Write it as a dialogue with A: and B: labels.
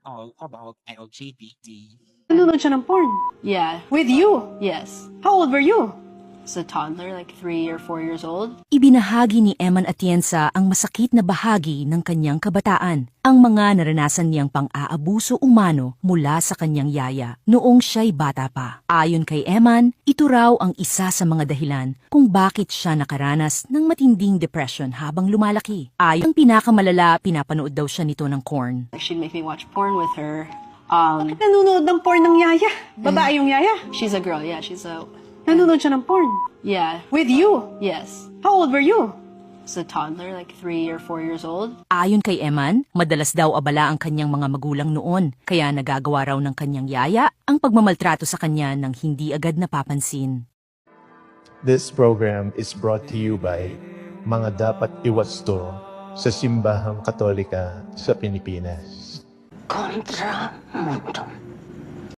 A: all about LGBT.
B: Nanonood siya ng porn.
C: Yeah.
B: With you?
C: Yes.
B: How old were you?
C: As a toddler, like 3 or 4 years old.
D: Ibinahagi ni Eman Atienza ang masakit na bahagi ng kanyang kabataan, ang mga naranasan niyang pang-aabuso umano mula sa kanyang yaya noong siya'y bata pa. Ayon kay Eman, ito raw ang isa sa mga dahilan kung bakit siya nakaranas ng matinding depression habang lumalaki. Ayon pinakamalala, pinapanood daw siya nito ng corn.
C: Like, she'd make me watch porn with her.
B: Nanonood ng porn ng yaya. Babae yung yaya.
C: She's a girl, yeah, she's a...
B: Nanonood siya ng porn.
C: Yeah.
B: With you?
C: Yes.
B: How old were you?
C: As a toddler, like 3 or 4 years old.
D: Ayon kay Eman, madalas daw abala ang kanyang mga magulang noon, kaya nagagawa raw ng kanyang yaya ang pagmamaltrato sa kanya nang hindi agad napapansin.
E: This program is brought to you by Mga Dapat Iwasto sa Simbahang Katolika sa Pilipinas.
F: Kontra Mundo.